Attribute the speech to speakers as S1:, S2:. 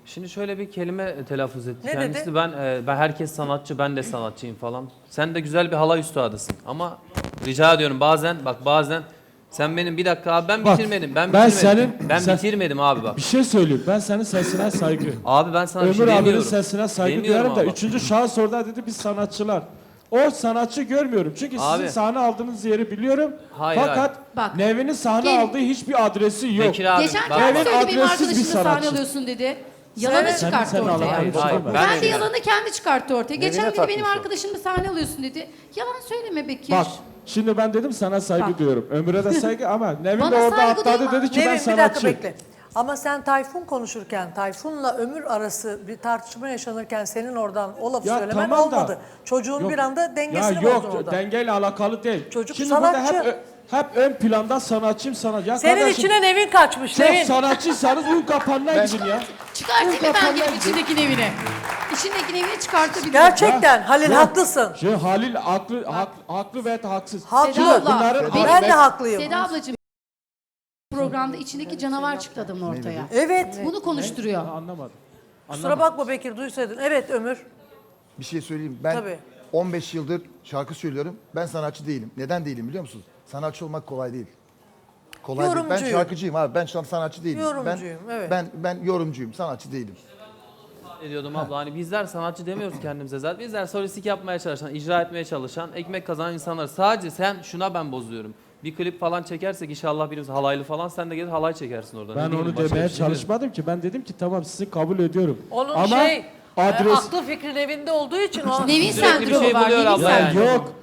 S1: Şimdi şöyle bir kelime telaffuz etti.
S2: Ne
S1: Kendisi
S2: dedi?
S1: ben herkes sanatçı, ben de sanatçıyım falan. Sen de güzel bir halay üstadısın. Ama rica ediyorum bazen sen benim bir dakika abi ben
S3: Bak,
S1: bitirmedim.
S3: ben
S1: Ben
S3: sen-
S1: bitirmedim abi bak.
S3: Bir şey söyleyeyim. Ben senin sesine saygı.
S1: Abi ben sana bir şey
S3: Ömür abinin
S1: demiyorum.
S3: sesine saygı
S1: Demiyorum
S3: duyarım da
S1: ama.
S3: üçüncü şahıs orada dedi biz sanatçılar. O sanatçı görmüyorum. Çünkü sizin
S1: Abi.
S3: sahne aldığınız yeri biliyorum.
S1: Hayır,
S3: Fakat
S4: Bak.
S3: Nevinin sahne
S4: Gelin.
S3: aldığı hiçbir adresi yok.
S1: Bekir abi
S4: Geçen
S1: bak.
S4: kendi
S3: Evet,
S4: söyledi benim
S3: adressiz bir
S4: arkadaşımla sahne
S3: sanatçı.
S4: alıyorsun dedi. Yalanı
S2: Evet.
S4: çıkarttı
S3: Senin
S4: ortaya.
S3: alakalı
S1: Hayır,
S3: şey
S4: Ben
S3: var.
S4: de yalanı kendi çıkarttı ortaya. Geçen
S5: Nevine
S4: dedi benim
S5: takmış o.
S4: arkadaşımla sahne alıyorsun dedi. Yalan söyleme Bekir.
S3: Bak şimdi ben dedim sana saygı
S4: Bak.
S3: duyuyorum. Ömür'e de saygı ama Nevin
S4: Bana
S3: de orada
S4: saygı
S3: atladı
S4: duyma.
S3: dedi ki ben
S2: Nevin bir dakika
S3: sanatçı.
S2: bekle. Ama sen Tayfun konuşurken, Tayfun'la Ömür arası bir tartışma yaşanırken senin oradan o lafı
S3: Ya
S2: söylemen
S3: tamam da-
S2: olmadı. Çocuğun
S3: Yok.
S2: bir anda dengesini
S3: Ya
S2: bozdun
S3: yok
S2: orada.
S3: dengeyle alakalı değil.
S2: Çocuk
S3: Şimdi
S2: sanatçı.
S3: burada hep ön planda sanatçıyım sanatçı. Ya
S2: Senin
S3: kardeşim,
S2: içine Nevin kaçmış.
S3: çok
S2: Nevin.
S3: sanatçıysanız un kapanına gidin ya.
S4: Çıkartayım mı ben
S3: kapanlar
S4: gelip
S3: gibi.
S4: içindeki evine? İçindeki evini çıkartabilirim.
S2: Gerçekten Halil
S3: Ya,
S2: haklısın.
S3: Halil haklı veya haksız.
S2: Haklı.
S4: Seda abla,
S3: Bunların-
S2: Ben de haklıyım.
S4: Seda ablacığım programda içindeki canavar çıktı adamın ortaya.
S2: Evet.
S4: Bunu konuşturuyor.
S3: Anlamadım.
S2: Kusura bakma Bekir duysaydın. Evet Ömür.
S5: Bir şey söyleyeyim. Ben
S2: Tabii.
S5: 15 yıldır şarkı söylüyorum. Ben sanatçı değilim. Neden değilim biliyor musunuz? Sanatçı olmak kolay değil. Kolay değil. Ben
S2: Yorumcuyum.
S5: şarkıcıyım abi. Ben sanatçı değilim.
S2: Yorumcuyum, evet.
S5: Ben yorumcuyum. Sanatçı değilim.
S1: Ne diyordum abla hani bizler sanatçı demiyoruz kendimize zaten. Bizler solistik yapmaya çalışan, icra etmeye çalışan, ekmek kazanan insanlar. Sadece sen şuna ben bozuyorum. Bir klip falan çekersek inşallah birimiz halaylı falan sen de gelir halay çekersin orada. Ne
S3: Ben
S1: bileyim,
S3: onu
S1: başka
S3: demeye
S1: bir şey demiyorum.
S3: çalışmadım ki. Ben dedim ki tamam sizi kabul ediyorum.
S2: Onun
S3: Ama adres...
S2: aklı fikrin evinde olduğu için o
S4: Nevin
S1: Sürekli bir
S4: sendromu
S1: şey
S4: var.
S1: buluyor
S4: Nevin
S1: abla
S3: Ya
S1: yani.
S4: sendromu.
S3: yok.